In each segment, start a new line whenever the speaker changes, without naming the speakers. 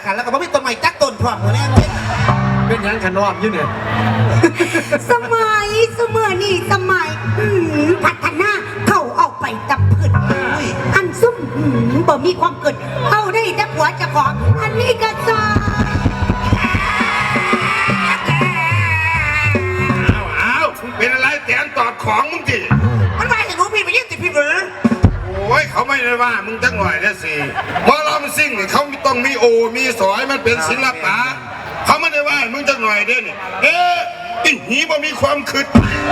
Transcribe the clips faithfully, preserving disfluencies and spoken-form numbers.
กันแล้วก็ไม่มีต้นไม้จักต้นพร้อมเลยเนี่ย
เป็นยังขนอมอยู่เนี่ย
สมัยเสมอนี่สมัยพัฒนาเขาเอาไปตับพืชอันซุ่มบ่มีความเกิดเอาได้แต่ผัวจะของอันนี้ก็จะ
อ้าวเป็นอะไรแตนตอดของมึงจี
มันมาเห็นหนูพี่ไปยิ่งติดพี่หรือ
โอ้ยเขาไม่ได้ว่ามึงจังหน่อยนะสิมอลำซิ่งเนี่ยเขาต้องมีโอมีสอยมันเป็นศิลปะเขาไม่ได้ว่ามึงจังหน่อยเด้นี่เอ๊ะอีหีบ่มีความคิด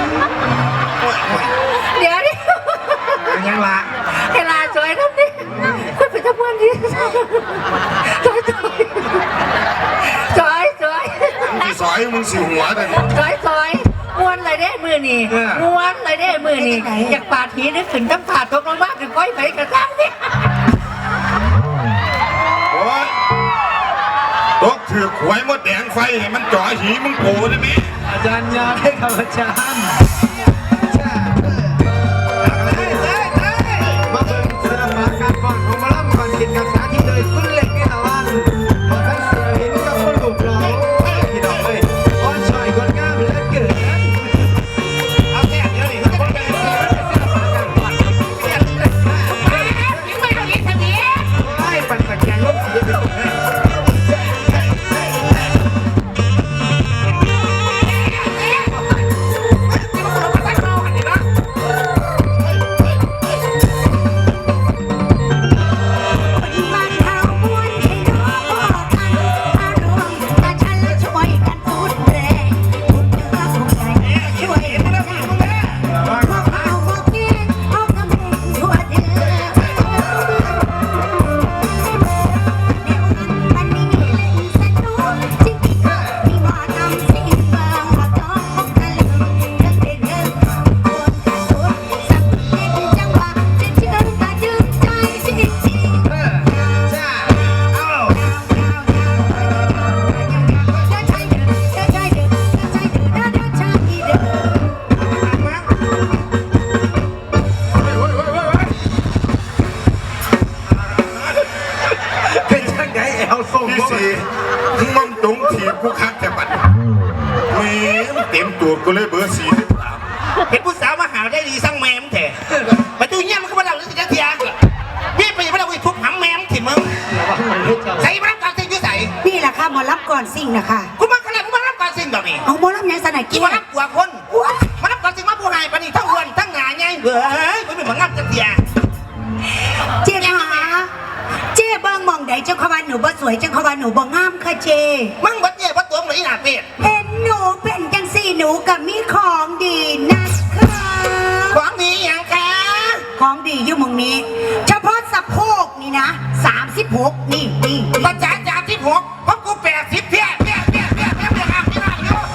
เดี๋ยวดิ
ยังละ
เวลาสวยทำดิคุณเป็นทำงานดีสวยสวยสวย
มึงสอยมึงสิหัวแต่
สวยสวยม้วนเลยได้มือนี่ม้วนเลยได้มือนี่อยากปาดทีนึกถึงน้ำผาตกลงมาถึงก้อยไผ่กระซังนี่
โอ้ยตกถือขวยมดแดงไฟให้มันจ่อหีมึงโผล่ได้ไหม
อาจารย์ยาได้ครับอาจารย์มาเบิ่งศิลปะการฟ้อนของมาล่ำก่อนกินกับสาธิตเลยคุณเล็กนี่ตะวันมาทั้งเสือเห็นกับคนลูกเราพี่น้องเลยอ้อนชอยคนงามเหลือเกิน
เอาแค่เดี๋ยวนี้เขาจะไปศิลปะการฟ้อน
ไม่ต้องยิ้มทำนี้
ไอ้ปั่นตะแกรงรถสีเหลือง
ที่สี่มึงตรงถีบกูคักแต่บัดแม่เต็มตัวกูเลยเบอร์สี่สิบสาม
เห็นผู้สาวมาหาได้ดีสั่งแมมแท้มาดูเงี้ยมันก็มาเล่าเรื่องสิจักเทียพี่ไปมาเล่าอีกทุบหำแมมถิ่มมึงใส่มารับการเซ็งยุ่ใส่
นี่แหละค่ะหมอรับก่อนสิ่งนะคะ
กูมาขนาดกูมารับการเซ็งแบบนี้
เอาหมอรับยังสนาย
กูมารับกว่าคนมารับการเซ็งมาผู้หายปนี่ทั้งวันทั้งงานไงเฮ้ยกูไม่เหมือนงับจักเทีย
เจ๊ค่ะเจ๊เบิ้งมองใดเจ้าขวานหนูบ่สวยเจ้าขวานหนูบ่งามค่ะเจ๊
มึงบัดเนี่ยบัดตัวมึงอีหนาเป็ด
เห็นหนูเป็นจังสี่หนูกับมีของดีนะคะ
ของดีอย่างคะ
ของดีอยู่มึงนี้เฉพาะสะโพกนี่นะสามสิบหกนี่นี่
มาจ่ายจ่ายที่หกเพราะกูแปดสิบเพี้ยเพี้ยเพี้ยเพี้ยเพี้ยเพี้ยอ่างที่นั่งอยู่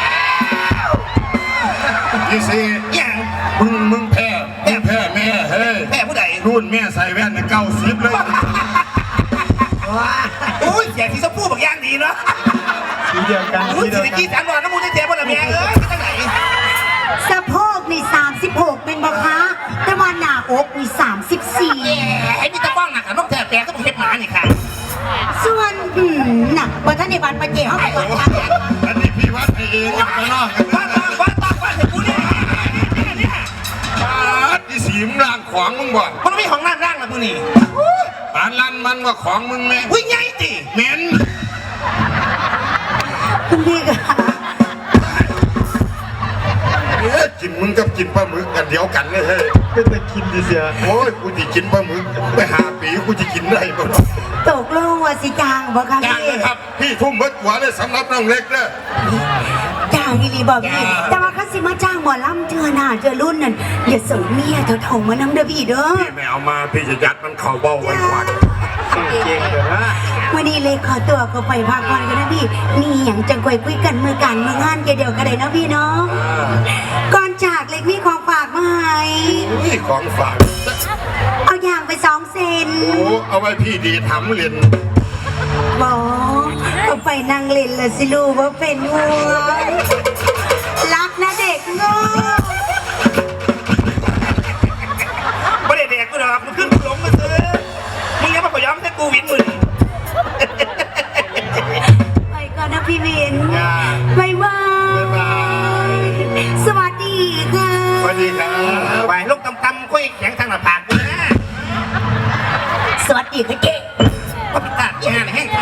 ที่สี่
อย่าง
มึงมึงแพ้แพ้แพ้แม่เฮ้ย
แพ้ผู้ใด
รุ่นแม่ใส่แว่นเก้าสิบเลย
ว้าอุ้ยเสียงที่สะพูดบางอย่างดีเนาะ
สีเดียวกัน
อุ้ยสีกี้สามร้อยน้ำมูลเจ๊บนระเบียงเอ้ยที่ไหน
สะโพกนี่สามสิบหกเป็นบ่คะแต่ว่าหน้าอกนี่สามสิบสี่
ไอ้มีตะก้องหนักกับนกแถบแปลก็เป็นเห็บหมานี่ค่ะ
ส่วนอืมหนักบนท่านในบ้านปะเจ้าไปก่อนค่ะ
อันนี้พี่วัดเองยังไปนอกกัน
บ้านบ้านบ้านบ้านบ้านเห็นกูเนี่ยเนี่ย
ที่สีมึงร่างของมึงบ่
มันไม่ของร่างร่างนะมึงนี่
ปานลันมันว่าของมึงแม่
อุ้ยไงติ
เหม็น
คุณพี่ค่ะ
เอ๊ะกินมึงกับกินปลาหมึกกันเดียวกันเลยเฮ้ย
เป็นตะกินดิเสีย
โอ้ยกูจะกินปลาหมึกไปหาปีกูจะกินได้บ่
ตกลงว่าสิจางบ่คะ
พี่จางเลยครับพี่ทุ่มเบิดหัวเลยสำหรับน้องเล็กเด้อ
จางอีหลีบอกพี่แต่ว่าเขาสิมาจ้างหมอลำเจอหน้าเจอรุ่นนั่นอย่าส่งเมียเธอถงมานำเด้อพี่เด้อ
พี่ไม่เอามาพี่จะยัดมันเข่าเบาไว้ก่อน
เก่งเด้อ
วันนี้เลยขอตัวก็ไปพักผ่อนกันนะพี่นี่อย่างจังกวยคุยกันมือกันมืองานเดียวกันเลยนะพี่เนาะก่อนจากเล็กมีของฝากมาให้
นี่ของฝาก
เอาอย่างไปสองเซน
โอ้เอาไว้พี่ดีทำเรียน
บอกก็ไปนั่งเล่นละสิลูกว่าเป็นห่วงรักนะเด็กโง่
ไม่ได้เด็กกูหรอกมึงขึ้นหลงมาซื้อมึงยังมาขย้อมให้กูวินมึง
วัสดีครับ
ไหวลูกตำๆคุยแข็งทางหน้าผากเลยนะ
สวัสดีค่ะเจ๊